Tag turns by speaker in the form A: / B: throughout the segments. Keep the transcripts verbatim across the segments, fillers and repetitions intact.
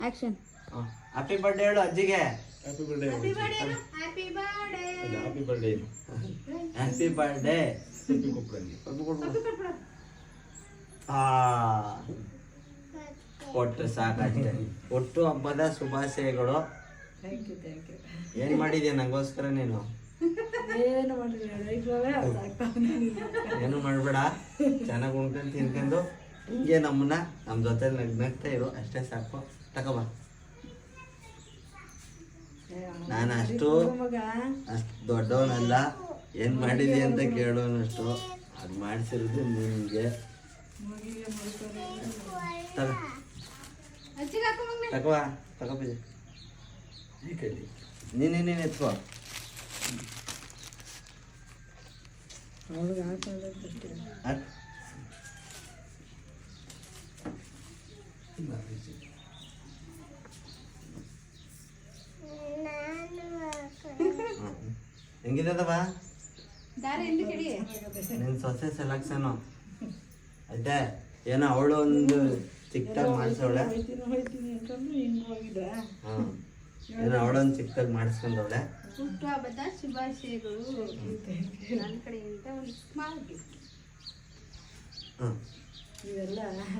A: Action.
B: Happy birthday ಹೇಳು ಅಜ್ಜಿಗೆ.
C: Happy birthday.
A: Happy birthday happy birthday
C: happy birthday.
B: Happy birthday.
C: Happy ಕೊಪ್ಪಳಲ್ಲಿ.
B: ಆ ಒಟ್ಟು ಸಾಕಷ್ಟೇ. ಒಟ್ಟು ಹಬ್ಬದ ಶುಭಾಶಯಗಳು.
D: Thank you thank you.
B: ಏನ್ ಮಾಡಿದ್ಯಾ ನಂಗೋಸ್ಕರ ನೀನು?
D: ಏನು ಮಾಡಿದ್ರೆ
B: ಏನು ಮಾಡ್ಬೇಡ, ಚೆನ್ನಾಗಿ ಉಣ್ಕೊಂಡು ತಿನ್ಕೊಂಡು ಹಿಂಗೆ ನಮ್ಮನ್ನ ನಮ್ಮ ಜೊತೆ ನಗ್ನಗ್ತಾ ಇರು, ಅಷ್ಟೇ ಸಾಕು. ತಗೋಬ. ನಾನು ಅಷ್ಟು ಅಷ್ಟು ದೊಡ್ಡವನಲ್ಲ, ಏನ್ ಮಾಡಿದಿ ಅಂತ ಕೇಳೋನಷ್ಟು. ಅದು ಮಾಡಿಸಿರೋದು ನಿನ್ಗೆ. ತಗೋ ತಗೋ ತಗೋ ಪೂಜೆ.
C: ಈ ಕೈಲಿ
B: ನೀನೇ ನೀನು ಎತ್ಕೋ.
D: ಅವ್ಳಿಗೆ ಹಾಕೋದಷ್ಟೇ.
B: ಹಾಕ್. ಹೆಂಗಿದವ
A: ದಾರಿ ಎಂದು ಕೆಡಿ.
B: ನಿನ್ ಸೊಸೆ ಸೆಲೆಕ್ಷನು ಆಯ್ತಾ? ಏನೋ ಅವಳು ಒಂದು ಚಿಕ್ಕದಾಗಿ ಮಾಡಿಸವಳೆ.
D: ಹೋಯ್ತೀನಿ ಹೋಯ್ತೀನಿ ಅನ್ಕೊಂಡು ಹಿಂಗೆ ಹೋಗಿದ್ದ.
B: ಹ್ಮ್ ಏನೋ ಅವಳೊಂದು ಚಿಕ್ಕದಾಗಿ ಮಾಡಿಸ್ಕೊಂಡವಳೆ.
A: ಹುಟ್ಟುಹಬ್ಬದ ಶುಭಾಶಯಗಳು ನನ್ನ ಕಡೆಯಿಂದ ಒಂದು ಸ್ಮಾಲ್ ಗಿಫ್ಟ್.
B: ಹ್ಮ್
D: ಇವೆಲ್ಲ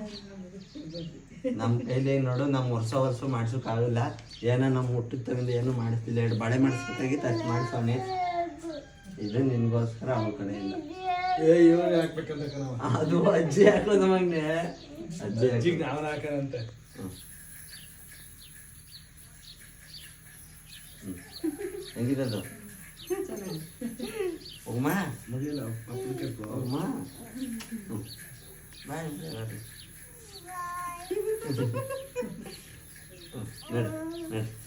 B: ನಮ್ಮ ಕೈಲಿ ನೋಡು, ನಮ್ಮ ವರ್ಷ ವರ್ಷ ಮಾಡ್ಸೋಕ್ಕಾಗಲ್ಲ. ಏನೋ ನಮ್ಮ ಹುಟ್ಟಿದ ತಗೊಂಡು ಏನು ಮಾಡಿಸ್ತಿಲ್ಲ. ಎರಡು ಬಳೆ ಮಾಡಿಸ್ಬೇಕಾಗಿತ್ತು, ಅಷ್ಟು ಮಾಡಿಸೋನಿ. ಇದು ನಿನ್ಗೋಸ್ಕರ ಅವಳ ಕಡೆಯಿಂದ.
C: ಏ ಇವಾಗ ಹಾಕ್ಬೇಕಂತ ಕಣವ.
B: ಅದು ಅಜ್ಜಿ ಹಾಕೋದು ಮಗನೆ. ಅಜ್ಜಿ
C: ಅಜ್ಜಿಗೆ ನಾವನ್ನ ಹಾಕೋಣಂತೆ.
B: ಹೆಂಗಿದದು ಹೋಗಮ್ಮ
C: ಮುಗಿಯಲ್ಲ ಅಪ್ಲಿಕೇಟ್
B: ಹೋಗಮ್ಮ. ಬಾಯ್ ನಡಿ ನಡಿ.